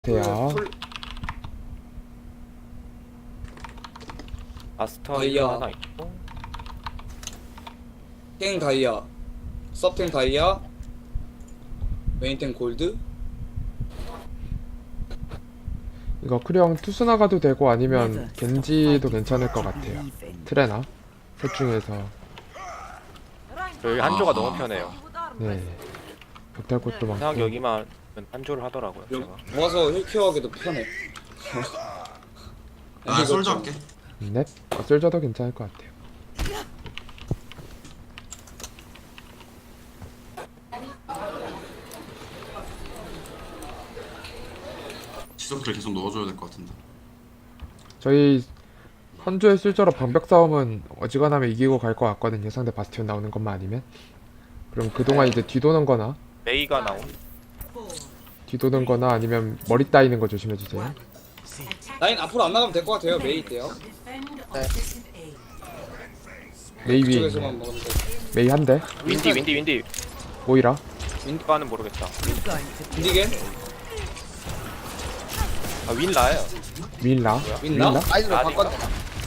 돼요. 마스터 다이아. 하나 있고 탱 다이아, 서탱 다이아, 메인탱 골드. 이거 크령 투수 나가도 되고 아니면 겐지도 괜찮을 것 같아요. 트레나 셋 중에서. 여기 한조가 너무 편해요. 네. 벽탈 곳도 이상 많고. 여기만 한조를 하더라고요. 제가. 모아서 힐케어하기도 편해. 나 솔저 할게. 네. 솔저도 괜찮을 것 같아요. 지속기를 계속 넣어줘야 될 것 같은데. 저희 한조의 실제로 방벽 싸움은 어지간하면 이기고 갈 것 같거든요. 상대 바스티온 나오는 것만 아니면. 그럼 그동안 이제 뒤도는 거나 메이가 나온. 아니면 머리 따이는 거 조심해 주세요. 라인 앞으로 안 나가면 될 것 같아요. 메이 때요. 메이 위에 그쪽에서만 있네. 먹으면 돼. 메이 한 대. 윈디. 모이라. 윈디가는 모르겠다. 윈디겐? 아 윈라예요. 윈라. 윈라? 아이즈로 라디가? 바꿨네.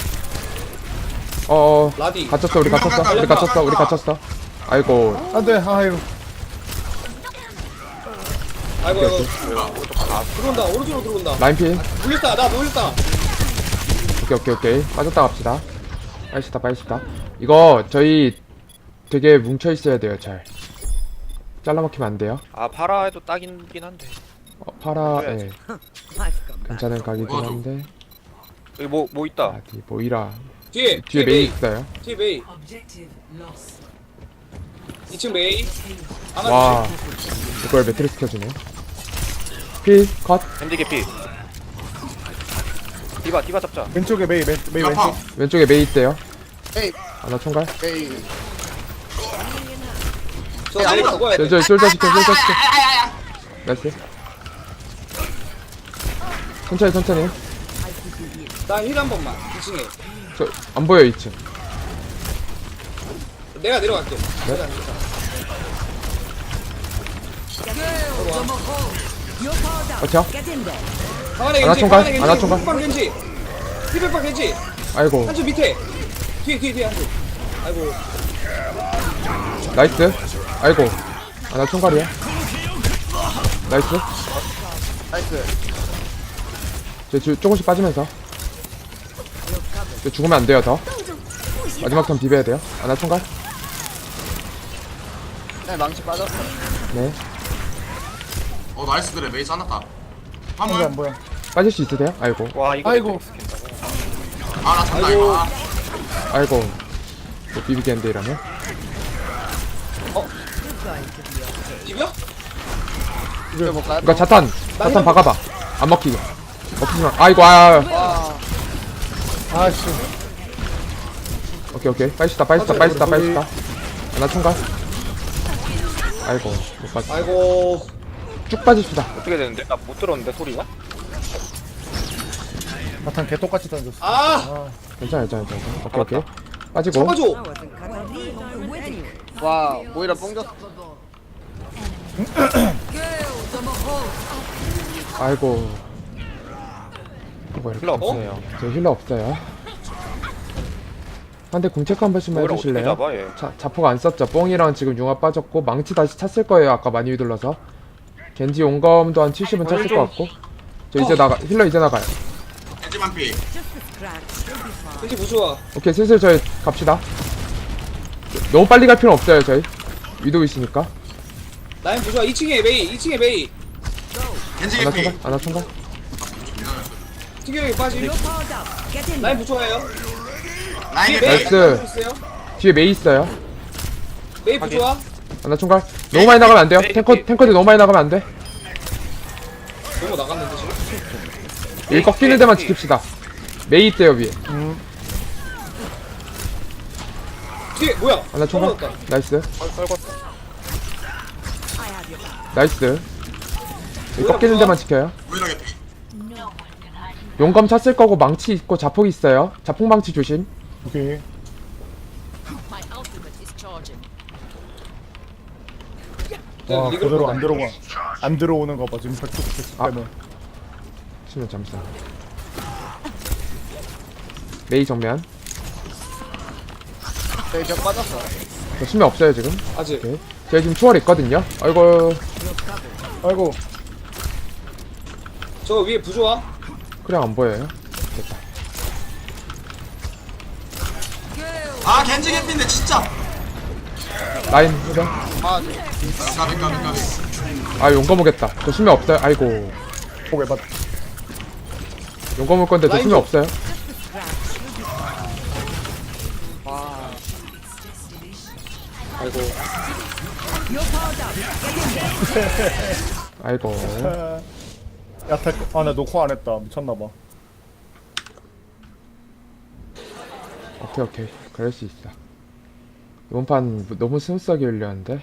라디. 갇혔어. 우리 갇혔어. 아이고. 안돼. 아유. 아이고, 뭐야? 들어온다. 오른쪽으로 들어온다. 라인 피. 놀렸다. 나 놀렸다. 오케이. 빠졌다 갑시다. 빨리시다. 이거 저희 되게 뭉쳐 있어야 돼요. 잘. 잘라먹히면 안 돼요. 아 파라 해도 딱이긴 한데. 파라. 그래야지. 예. 괜찮은 각이긴 뭐야, 한데. 여기 뭐 있다. 어디 모이라. 뒤에 뒤에 메이 있어요. 뒤에 메이. 2층 메이. 하나 와. 이걸 매트리스 켜주네. 피 컷. 겐지 개피. 디바 잡자. 왼쪽에 메이 메이 아파. 왼쪽. 왼쪽에 메이 있대요. 메이 하나 총괄. 메이. 저 메이 죽어야 돼. 저 솔저 시켜. 나이스. 천천히. 나 힐 한 번만. 2층에. 저 안 보여 2층. 내가 내려갈게. 그렇죠? 강한의 하나 겐지. 총괄, 강한의 하나 겐지. 총괄. 흑방 겐지. 힐백방 겐지. 아이고. 한줄 밑에. 뒤에 한줄. 아이고. 나이스. 아이고. 하나 총괄이야. 나이스. 나이스. 조금씩 빠지면서. 죽으면 안 돼요, 더. 마지막 턴 비벼야 돼요. 하나 총괄. 네 망치 빠졌어. 네. 나이스 그래 메이 짜놨다. 한번 화물. 안 보여. 빠질 수 있으세요? 아이고. 와 이거 아이고. 아나 잔다 이거. 아이고. 못 비비겠는데 이러면. 비벼? 이거 못 가. 이거 자탄 박아봐. 안 먹히게. 먹히지마. 아이고, 와. 아씨. 오케이. 빠지시다. 하나 총괄. 아이고. 못 빠지. 아이고. 쭉 빠집시다. 어떻게 되는데? 나 못 들었는데 소리가? 나탄 개 똑같이 던졌어. 아, 괜찮아. 오케이. 빠지고. 잡아줘. 와 모이라 뽕졌어. 아이고. 뭐 이렇게. 힐러 없어요. 저 힐러 없어요. 한대 궁체크 한 번씩만 뭐라 어떻게 해주실래요? 잡아 얘? 자폭 안 썼죠. 뽕이랑 지금 융합 빠졌고 망치 다시 찼을 거예요. 아까 많이 휘둘러서. 겐지 용검도 한 70은 찼을 것 같고. 저 이제 힐러 이제 나가요. 겐지만 피. 겐지 부수와. 오케이, 슬슬 저희 갑시다. 너무 빨리 갈 필요는 없어요, 저희. 위도 있으니까. 라인 부수와. 2층에 메이. 겐지 하나 개피. 총괄, 하나 총괄. 튀겨에 빠짐. 라인 부수와요. 라인 뒤에 개피. 메이. 나이스. 있어요. 뒤에 메이 있어요. 메이 부수와. 하나 총괄. 너무 많이 나가면 안 돼요. 탱커들 너무 많이 나가면 안 돼. 너무 나갔는데 지금. 여기 꺾이는 데만 지킵시다. 메이 있대요, 위에. 뒤에 뭐야? 하나 총괄. 떨어졌다. 나이스. 썰궜어. 나이스. 여기 꺾이는 데만 지켜요. 모이라 개피. 용검 찼을 거고 망치 있고 자폭 있어요. 자폭 망치 조심. 오케이. My ultimate is charging. 와 리그로 그대로 가자. 안 들어오는 거 봐. 지금 백쪽 때문에. 수면 잠수. 메이 정면. 저기 벽 빠졌어. 저 수면 없어요 지금. 아직. 오케이. 제가 지금 초월 있거든요. 아이고. 아이고. 저 위에 부조화. 그냥 안 보여요. 됐다. 아 겐지 개피인데 진짜. 라인 해변. 아, 네. 까비. 아 용검 오겠다. 저 수면 없어요. 아이고. 포개 받. 용검 올 건데 저 라인 수면 좀. 없어요. 아이고. 아이고. 야타. 아, 나 녹화 안 했다. 미쳤나봐. 오케이. 그럴 수 있어. 이번 판 너무 스무스하게 흘렸는데.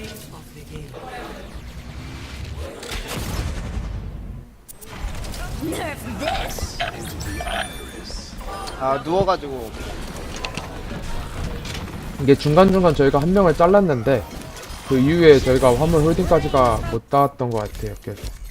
아, 누워가지고. 이게 중간중간 저희가 한 명을 잘랐는데 그 이후에 저희가 화물 홀딩까지가 못 닿았던 것 같아요. 그래서